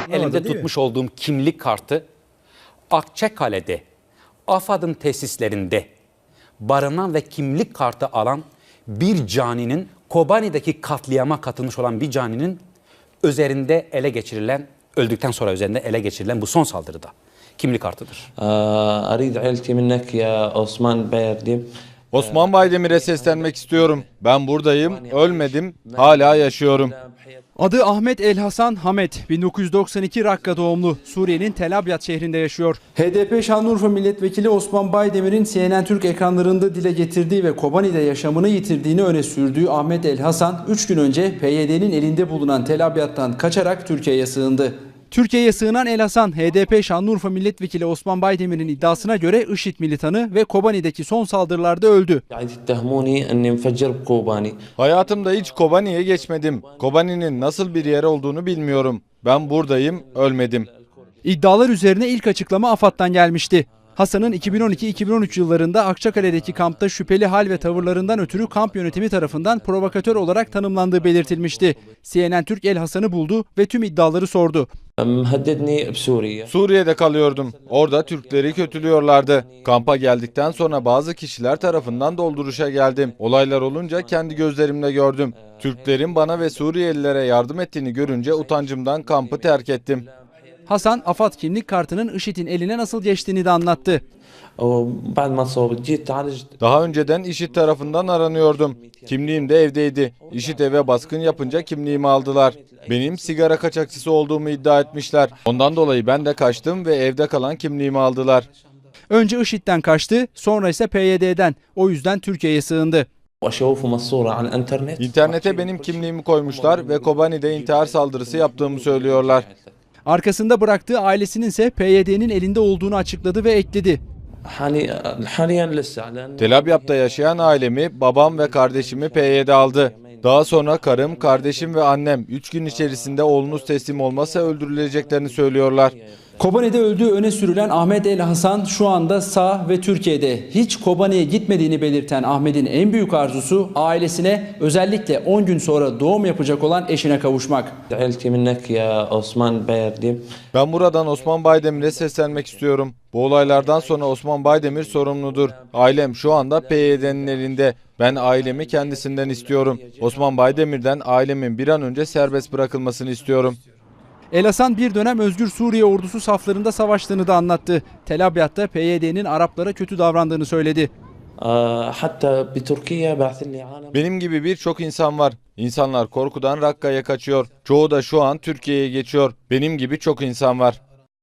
elimde tutmuş olduğum kimlik kartı Akçakale'de AFAD'ın tesislerinde barınan ve kimlik kartı alan bir caninin, Kobani'deki katliama katılmış olan bir caninin üzerinde ele geçirilen, öldükten sonra üzerinde ele geçirilen bu son saldırıda kimlik kartıdır. أريد عيلتي منك يا Osman Bayerdim. Osman Baydemir'e seslenmek istiyorum. Ben buradayım, ölmedim, hala yaşıyorum. Adı Ahmet El Hasan Hamet, 1992 Rakka doğumlu, Suriye'nin Tel Abyad şehrinde yaşıyor. HDP Şanlıurfa Milletvekili Osman Baydemir'in CNN Türk ekranlarında dile getirdiği ve Kobani'de yaşamını yitirdiğini öne sürdüğü Ahmet El Hasan, 3 gün önce PYD'nin elinde bulunan Tel Abyad'dan kaçarak Türkiye'ye sığındı. Türkiye'ye sığınan El Hasan, HDP Şanlıurfa Milletvekili Osman Baydemir'in iddiasına göre IŞİD militanı ve Kobani'deki son saldırılarda öldü. Hayatımda hiç Kobani'ye geçmedim. Kobani'nin nasıl bir yer olduğunu bilmiyorum. Ben buradayım, ölmedim. İddialar üzerine ilk açıklama AFAD'dan gelmişti. Hasan'ın 2012-2013 yıllarında Akçakale'deki kampta şüpheli hal ve tavırlarından ötürü kamp yönetimi tarafından provokatör olarak tanımlandığı belirtilmişti. CNN Türk El Hasan'ı buldu ve tüm iddiaları sordu. Suriye'de kalıyordum. Orada Türkleri kötülüyorlardı. Kampa geldikten sonra bazı kişiler tarafından dolduruşa geldim. Olaylar olunca kendi gözlerimle gördüm. Türklerin bana ve Suriyelilere yardım ettiğini görünce utancımdan kampı terk ettim. Hasan, AFAD kimlik kartının IŞİD'in eline nasıl geçtiğini de anlattı. Daha önceden IŞİD tarafından aranıyordum. Kimliğim de evdeydi. IŞİD eve baskın yapınca kimliğimi aldılar. Benim sigara kaçakçısı olduğumu iddia etmişler. Ondan dolayı ben de kaçtım ve evde kalan kimliğimi aldılar. Önce IŞİD'den kaçtı, sonra ise PYD'den. O yüzden Türkiye'ye sığındı. İnternete benim kimliğimi koymuşlar ve Kobani'de intihar saldırısı yaptığımı söylüyorlar. Arkasında bıraktığı ailesinin ise PYD'nin elinde olduğunu açıkladı ve ekledi. Tel Abyad'da yaşayan ailemi, babam ve kardeşimi PYD aldı. Daha sonra karım, kardeşim ve annem 3 gün içerisinde oğlunuz teslim olmazsa öldürüleceklerini söylüyorlar. Kobani'de öldüğü öne sürülen Ahmet El Hasan şu anda sağ ve Türkiye'de. Hiç Kobani'ye gitmediğini belirten Ahmet'in en büyük arzusu ailesine, özellikle 10 gün sonra doğum yapacak olan eşine kavuşmak. Ben buradan Osman Baydemir'e seslenmek istiyorum. Bu olaylardan sonra Osman Baydemir sorumludur. Ailem şu anda PYD'nin elinde. Ben ailemi kendisinden istiyorum. Osman Baydemir'den ailemin bir an önce serbest bırakılmasını istiyorum. El Hasan bir dönem Özgür Suriye ordusu saflarında savaştığını da anlattı. Tel Abyad'da PYD'nin Araplara kötü davrandığını söyledi. Benim gibi birçok insan var. İnsanlar korkudan Rakka'ya kaçıyor. Çoğu da şu an Türkiye'ye geçiyor. Benim gibi çok insan var.